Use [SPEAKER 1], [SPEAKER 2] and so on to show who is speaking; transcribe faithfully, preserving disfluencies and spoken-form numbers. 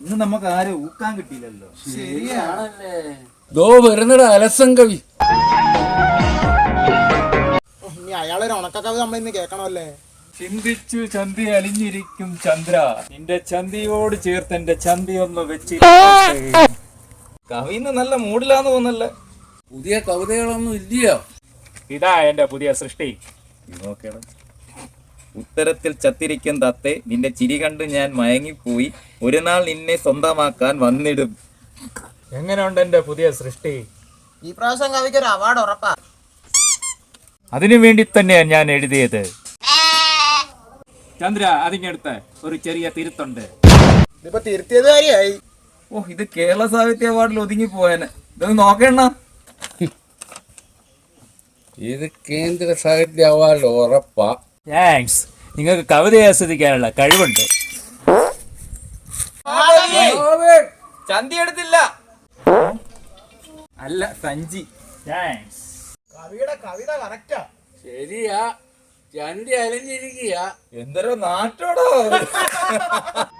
[SPEAKER 1] ഇന്ന് നമുക്ക് ആരും ഊക്കാൻ കിട്ടിയില്ലല്ലോ.
[SPEAKER 2] ശരിയാണല്ലേ.
[SPEAKER 3] ദോ വരുന്നട അലസം കവി.
[SPEAKER 4] ഇനി അയാളൊരു ഉണക്കക്കവി നമ്മൾ ഇന്ന് കേൾക്കണമല്ലേ.
[SPEAKER 1] ചിന്തിച്ചു ചന്തി അലിഞ്ഞിരിക്കും ചന്ദ്ര, നിന്റെ ചന്തിയോട് ചേർത്ത് എന്റെ ചന്തി ഒന്ന് വെച്ച്. കവിന്ന് നല്ല മൂഡിലാന്ന് തോന്നല്ലേ.
[SPEAKER 3] പുതിയ കവിതകളൊന്നും ഇല്ലയോ?
[SPEAKER 1] ഇതാ എന്റെ പുതിയ സൃഷ്ടി. നോക്കണം. ഉത്തരത്തിൽ ചത്തിരിക്കും തത്തെ, നിന്റെ ചിരി കണ്ട് ഞാൻ മയങ്ങിപ്പോയി, ഒരു നാൾ നിന്നെ സ്വന്തമാക്കാൻ വന്നിടും. എങ്ങനെയുണ്ട് എന്റെ പുതിയ സൃഷ്ടി?
[SPEAKER 4] ഈ പ്രാവശ്യം കവിക്ക് ഒരു അവാർഡ് ഉറപ്പാ.
[SPEAKER 1] അതിനു വേണ്ടി തന്നെയാണ് ഞാൻ എഴുതിയത്. ചന്ദ്ര, അതിങ്ങടുത്ത് ഒരു ചെറിയ തിരുത്തുണ്ട്.
[SPEAKER 4] ഇതിപ്പോ തിരുത്തിയത് കാര്യമായി.
[SPEAKER 1] ഓ, ഇത് കേരള സാഹിത്യ അവാർഡിൽ ഒതുങ്ങി പോയനെ. ഇതൊന്ന് നോക്കണ.
[SPEAKER 3] ഇത് കേന്ദ്ര സാഹിത്യ അവാർഡ് ഉറപ്പാ.
[SPEAKER 1] താങ്ക്സ്. നിങ്ങൾക്ക് കവിത ആസ്വദിക്കാനുള്ള കഴിവുണ്ട്. ചന്തി എടുത്തില്ല, അല്ല സഞ്ചി. താങ്ക്സ്.
[SPEAKER 4] കവിയുടെ കവിത കറക്റ്റാ.
[SPEAKER 3] ശരിയാ, ചന്തി അലഞ്ഞിരിക്കുക.
[SPEAKER 1] എന്തൊരു നാട്ടോടോ.